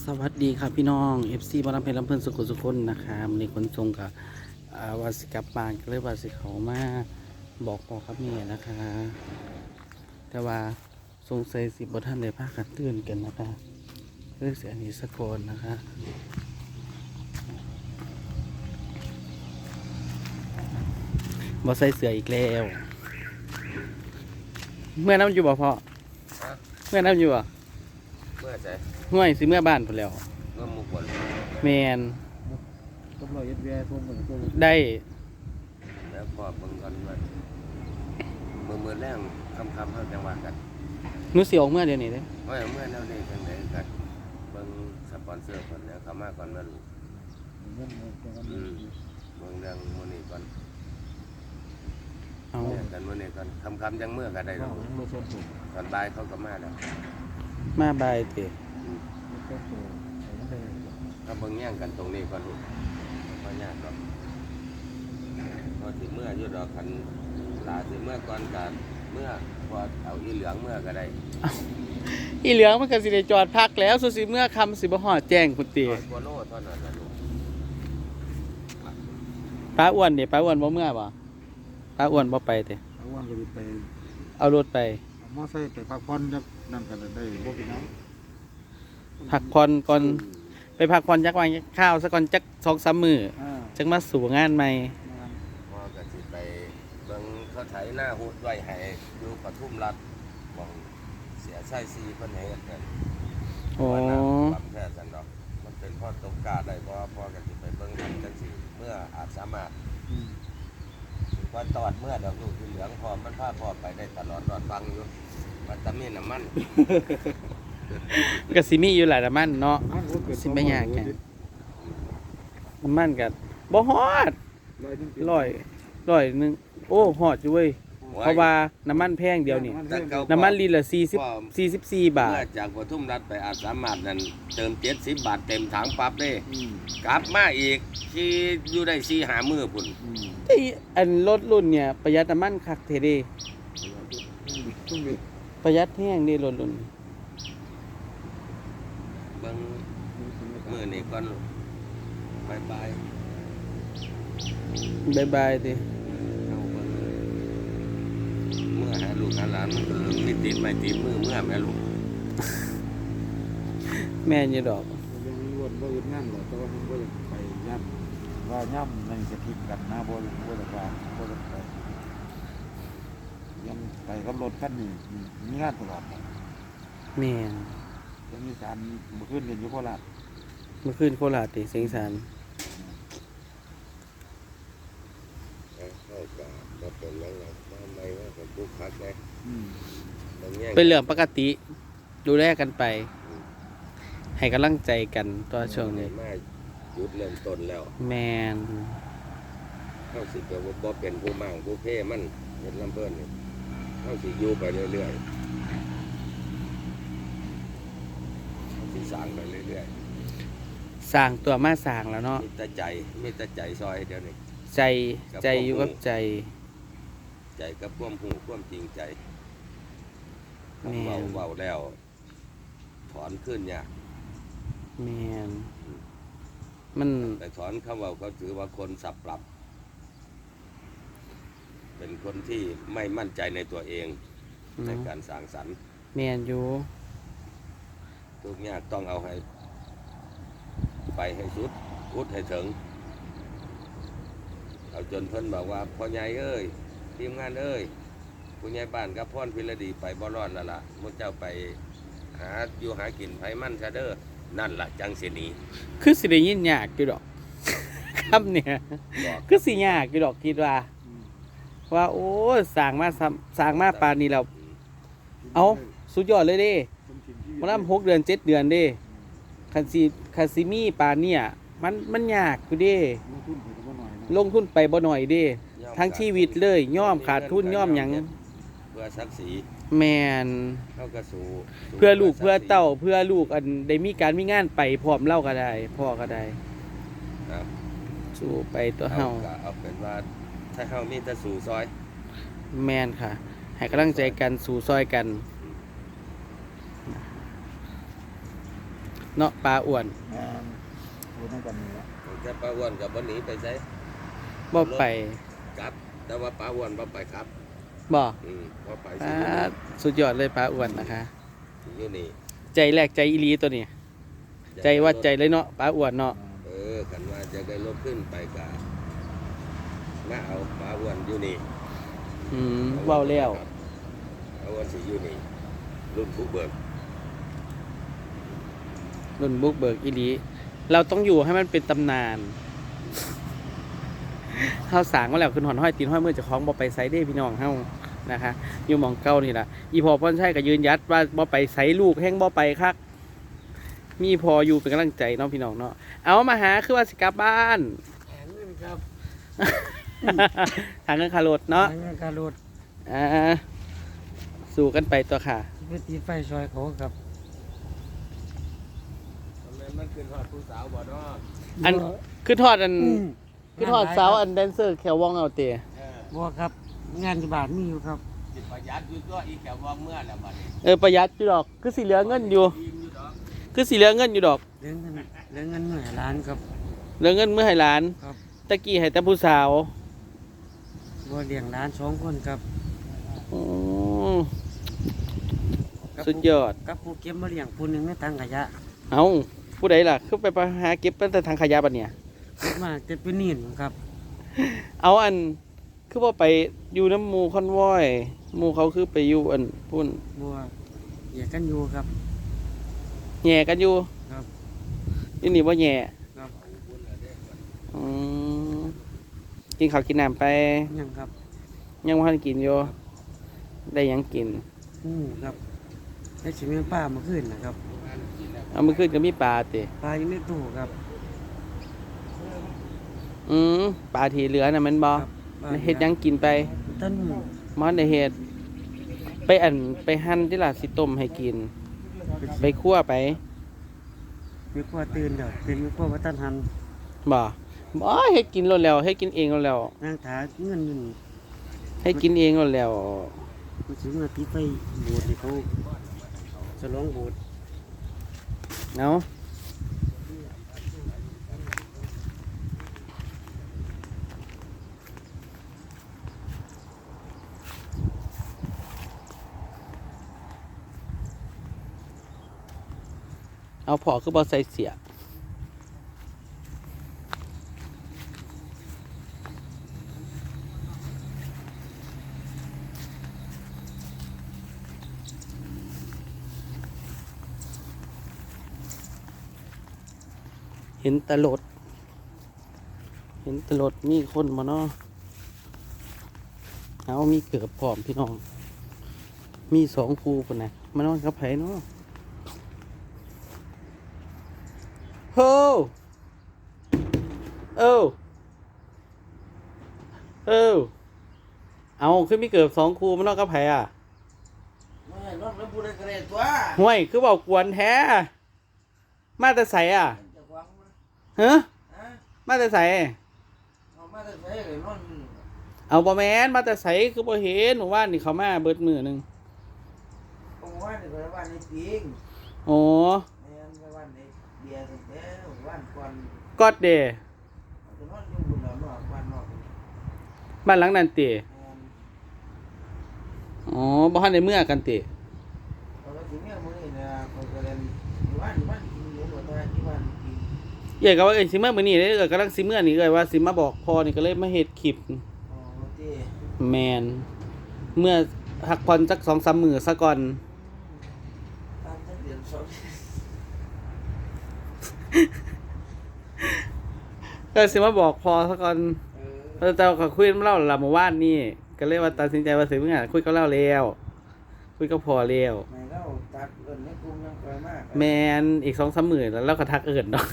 สวัสดีครับพี่น้อง FC บ้านเพชรลำเพิ่นสุขุสุคนนะคะในขนส่งกับวาสิกลับบ้านก็เลยวาสิเขามาบอกพ่อครับแม่นะคะ แต่ว่าสงสัยสิบ่ท่านได้พากันตื่นกันนะคะเรื่องเสียนี้สะกอนนะคะบ่ใส่เสื้ออีกแล้วเมื่อน้ำอยู่บ่พ่อเมื่อน้ำอยู่บ่เมื่อใจห่วยสิเมื่อบ้านพุ่นแล้วเมื่อหมู่ฝนแมนตำรวจเอ็ดแวร์พวกเหมือนตัวได้แล้วพอเบิ่งก่อนว่ามือแรงคำเขาจังหวะกันหนูสิออกเมื่อเดี๋ยวนี้เด้ว่าเมื่อแนวนี้จังไหนกันเบิ่งสปอนเซอร์คนแล้วเขามาก่อนมาลูกเงินตัวกันเบิ่งเรื่องมื้อนี้ก่อนเอาเมื่อกันมื้อนี้ก่อนคำจังเมื่อก็ได้ข้าดวอกไม่ชนถูกตอนบ่ายเขาก็มาแล้วมาบายเตะไม่ชนถูกใส่ไม่ได้ถ้าเบิ่งแย่งกันตรงนี้ก่อนลูกบ่ยากดอกพอสิเมื่ออยู่ดอกคันลาสิเมื่อก่อนกันเมื่อพอเอาอีเหลืองเมื่อก็ได้อีเหลืองมันก็สิได้จอดพักแล้วสุสิเมื่อคำสิบ่ฮอดแจ้งคุณตี 100กว่าโลเท่านั้นน่ะลูกป้าอ้วนเด้ป้าอ้วนบ่เมื่อบ่ป้าอ้วนบ่ไปเตะเอาวันก็ไปเอารถไปเอามอไซค์ไปพักผ่อนจักนั่นกันได้บ่เป็นน้พักผ่อนก่อนไปพักผ่อนจักวันข้าวซะก่อนจัก 2-3 มื้อำจักมาสู่งานใหม่พอก็สิไปเบิ่งเขาไถหน้าหุดไว้ให้อยู่ปทุมรัฐหวังเสียไส้ซีเพิ่นให้เฮ็ดกันโอ้ว่าน้ำลำแท้สันดอกมันเป็นพ่อตกกาได้เพราะว่าพ่อก็สิไปเบิ่งทำจังซี่เมื่ออาจสามารถสิว่าตอดเมื่อดอกลูกที่เหลืองพอมันพาพ่อไปได้ตลอดรอดฟังอยู่มันตะมีน้ำมันก็สิมีอยู่หลายน้ำมันเนาะสิไม่ยากแกน้ำมันก็บ่ฮอดร้อยหนึงโอ้ฮอดอยู่เว้ยเพราะว่าน้ำมันแพงเดียวนี่แต่เก่าน้ำมันลิตรละพ่อ 44 บาทเมื่อจากปทุมรัฐไปอาจสามารถนั่นเติม70 บาทเต็มถังปั๊บเด้กลับมาอีกที่อยู่ได้4-5มื้อพุ่นไอ้อันรถรุ่นเนี่ยประหยัดน้ำมันคักเทเดประหยัดแห้งเด้รถรุ่นเบิ่งมื้อนี้ก่อนลูกบายบายบายติเอาเบิ่งเมื่อหาลูกหาหลานมันก็มีติดไม้ติดมือเมื่อแม่ลูกแม่นอยู่ดอกยังรวนบ่ยึดงานหรอกแต่ว่ามันบ่อยากไปย่ำว่าย่ำนั่นจะผิดกันนะบ่อยากว่าบ่อยากไปยังไปกับรถคันนี้มีงานตลอดแม่นจะมีสารเมื่อคืนเรียนอยู่โคราชเมื่อคืนโคราชติเสียงสารเข้ากับบ่เป็นหยังไงทำไมว่าเป็นผู้คักไงบางแง่งเป็นเรื่องปกติดูแลกันไป ให้กำลังใจกันตัวช่วงนี้มาหยุดเริ่มต้นแล้วแม่นเข้าสิก็บ่เป็นผู้มั่งผู้เพ่มันเป็นลำเพิ่นนี่เข้าสิอยู่ไปเรื่อยๆเข้าสิสร้างไปเรื่อยสร้างตัวมาสร้างแล้วเนาะๆมีแต่ใจซอยเดี๋ยวนี้ใจอยู่กับใจใจกับความหูความจริงใจแม่นเว้าแล้ว ถอนขึ้นเนี่ยากแม่นมันแต่ถอนเขาเว้าเขาถือว่าคนสับปรับ เป็นคนที่ไม่มั่นใจในตัวเองในการสร้างสรรค์แม่นอยู่ทุกอย่างต้องเอาให้ไปให้สุดพุดให้ถึงเอาจนเพิ่นบอกว่าพ่อใหญ่เอ้ยทีมงานเอ้ยผู้ใหญ่บ้านกับพ่อนพิรดีไปบ่รอดแล้วล่ะมุเจ้าไปหาอยู่หากินไผมันซะเด้อนั่นล่ะจังสิหนีคือสิได้ยินยากอยู่ดอก คำเนี่ยบอกคือสิยากอยู่ดอกคิดว่า ว่าโอ้ยสร้างมาปานนี้แล้วเอาสุดยอดเลยเด้มันนำ6 เดือน 7 เดือนเด้คันสิมีปานเนี่ยมันยากอยู่เด้ลงทุนไปก็บ่หน่อยนะลงทุนไปบ่น้อยเด้ ทั้งชีวิตเลยย่อมขาดทุนย่อมหยังเพื่อศักดิ์ศรีแม่นเข้ากระสู่เพื่อลูกเพื่อเต้าเพื่อลูกอันได้มีการมีงานไปพร้อมเล่าก็ได้พ่อก็ได้ครับสู้ไปตัวเฮาเอาเป็นว่าถ้าเฮามีแต่สู่ซอยแม่นค่ะ ให้กำลังใจกันสู่ซอยกันเนาะปลาอ้วนพูดตั้งแต่นี้แล้วแต่ปลาอ้วนกับบ่หนีไปไสบ่ไปกลับ แต่ว่าปลาอ้วนบ่ไปครับบ่บ่ไปปลาสุดยอดเลยปลาอ้วนนะคะอยู่นี่ใจแรกใจอีหลีตัวนี้ใจว่าใจเลยเนาะปลาอ้วนเนาะกันว่าจะได้รถขึ้นไปกะมาเอาปลาอ้วนอยู่นี่เว้าแล้วปลาอ้วนสิอยู่นี่รุ่นผู้เบิกรุ่นบุกเบิกอีหลีเราต้องอยู่ให้มันเป็นตำนานเฮาสร้างมาแล้วขึ้นหอนห้อยตีนห้อยมือเจ้าของบ่ไปไสเด้พี่น้องเฮานะคะอยู่หม่องเก่านี่ล่ะอีพอพ่อนชัยก็ยืนยัดว่าบ่ไปไสลูกแฮงบ่ไปคักมีพออยู่เป็นกำลังใจเนาะพี่น้องเนาะเอามาหาคือว่าสิกลับบ้านแอนนี่ครับทางเงินคารถเนาะทางการรถสู่กันไปตัวค่ะไปตีไฟซอยเขาครับมันขึ้นฮอดผู้สาวบ่เนาะอันคือทอดอันคือทอดเสาอันแดนเซอร์แขววองเอาเตะบัวครับ งานที่บ้านมีอยู่ครับสิประหยัดอยู่ตัวอีกแค่ว่าเมื่อแล้วบัดนี้ประหยัดอยู่ดอกคือสิเหลือเงินอยู่อิ่มอยู่ดอกคือสิเหลือเงินอยู่ดอกเรื่องเงินหน่วยล้านครับเหลือเงินเมื่อให้หลานครับตะกี้ให้แต่ผู้สาวบัวเลี้ยงล้าน2 คนครับโอ้กับสุดยอดกับผู้เก็บมาเลี้ยงผู้หนึงในถังขยะเอาผู้ใดล่ะคือไปหาเก็บตั้งแต่ทางขยะบัดเนี่ยเก็บมาจะเป็นนี่ครับเอาอันคือว่าไปอยู่น้ำหมูคอนวอยหมูเขาคือไปอยู่อันพุ่นบัวเหยียดกันอยู่ครับแย่กันอยู่ครับนี่นี่ว่าแย่ครับอืมกินข้าวกินน้ำไปยังครับยังบ่ทันกินอยู่ได้หยังกินครับได้ชิมเป็นป้ามาขึ้นนะครับเอามือขึ้นก็มีปลาติปลาอยู่ในตู้ครับปลาที่เหลือน่ะแมันบ่ครับปลาเฮ็ดหยังกินไปต้นมันได้เฮ็ดไปหั่นที่ล่ะสิต้มให้กิน ไปคั่วไปมีขั้วตื่นเดี๋ยวตื่นมีขั้ววัฒนธรรมบ่เฮ็ดกินแล้วเฮ็ดกินเองแล้วนางถาเงินอยู่นี่ให้กินเองแล้วมันถึงมาตีไฟโบสถ์ให้เขาฉลองโบสถ์เนาะเอาพอคือบ่ใส่เสียเห็นตลดมีคนมาเนาะเอามีเกือบพร้อมพี่น้อง มี2คู่พุ่นน่ะมานอนกับไผเนาะโฮเอาคือมีเกือบ2คู่มานอนกับไผอ่ะไม่รถแล้วพูดได้กระเด็นตัวห่วยคือเว้ากวนแท้มาแต่ไสอ่ะจะหวังฮะฮะมาแต่ไสเอามาแต่ใส่เลยนอนเอาบ่แม่นมาแต่ไสคือบ่เห็นหนูว่านี่เขามาเบิดมื้อหนึงผมว่าในบ้านในปิงโอ้ในบ้านในเบียร์แต่บ้านก่อนกอดเดจะนอนอยู่บนหลังนอกบ้านนอกบ้านหลังนั้นติอ๋อบ่ทันได้เมื่อกันติเราก็ถึงเนี่ยมื้อนี้นะเขาก็เล่นบ้านกินอยู่บ่ได้ที่บ้านกินเอ้ยก็ว่าเอ้ยสิมามื้อนี้เด้อกำลังสิเมื่อนี่เอ้ยว่าสิมาบอกพ่อนี่ก็เลยมาเฮ็ดคลิปอ๋อที่แมนเมื่อพักผ่อนสัก 2-3 มื้อซะก่อนตามเดือน2 ก็สิมาบอกพ่อซะก่อน แต่ก็คุยกับเล่าละเมื่อวานนี่ก็เลยว่าตัดสินใจว่าสิเมื่อคุยกับเล่าแล้วคุยกับพ่อแล้วไม่เล่าตัดเอิ้นในกลุ่มยังค่อยมากแมนอีก 2-3 มื้อแล้วเราก็ทักเอิ้นดอก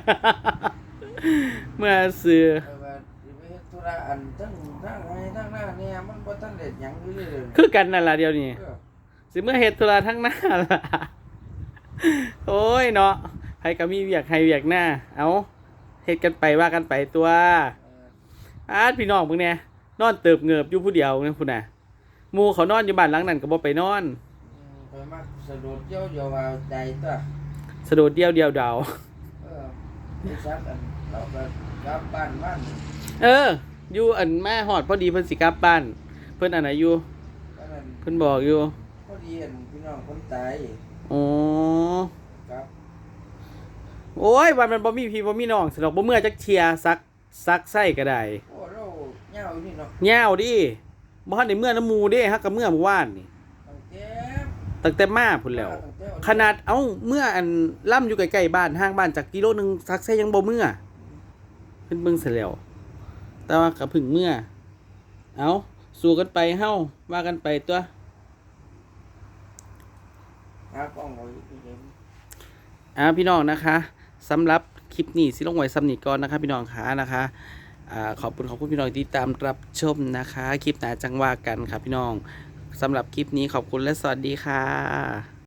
เมื่อซื้อว่าสิไปเฮ็ดธุระอันทั้งไห้ทั้งหน้าเนี่ยมันบ่ทันได้หยังอยู่เลยคือกันนั่นล่ะเดี๋ยวนี้สิเมื่อเฮ็ดธุระทั้งหน้าล่ะ โอ้ยเนาะใครก็มีเวียกให้เวียกหน้าเอาเฮ็ดกันไปว่ากันไปตัวพี่น้องมึงเนี่ยนอนเติบเงือบอยู่ผู้เดียวเนี่ยพุ่นน่ะหมู่เขานอนอยู่บ้านหลังนั้นก็บ่ไปนอนไปมักสะดุดเจ้าอย่าว่าใจตัวสะโดดเดียวเดียวดาวไปซักอันเราก็กลับบ้านเออ อยู่อันแม่หอดพอดีเพิ่นสิกลับบ้าน เพิ่นอันไหนอยู่ก็นั่นเพิ่นบอกอยู่พอดีอันพี่น้องคนตายอ๋อครับโอ้ยวันมันบ่มีพี่บ่มีน้องสนอกบ่เมื่อจักเทียซักไส้ก็ได้โอ้เราเหงาอยู่นี่เนาะแย่วดิบ่ทันได้เมื่อน้ำหมูเด้ฮักกับเมื่อเมื่อวานนี่ตั้งแต่ตั้งแต่มาพุ่นแล้ว ขนาดเมื่ออันล่ำอยู่ใกล้ๆบ้านห่างบ้านจากกิโลนึงซักไส้ยังบ่เมื่อเพิ่นเบิ่งเสร็จแล้วแต่ว่าก็เพึ่งเมื่อเอาสู้กันไปเฮาว่ากันไปตัวหากล้องไว้พี่เห็นพี่น้องนะคะสำหรับคลิปนี้สิลงไว้ซ้ำนี้ก่อนนะคะพี่น้องค่ะนะคะขอบคุณพี่น้องที่ตามรับชมนะคะคลิปหน้าจังว่ากันครับพี่น้องสำหรับคลิปนี้ขอบคุณและสวัสดีค่ะ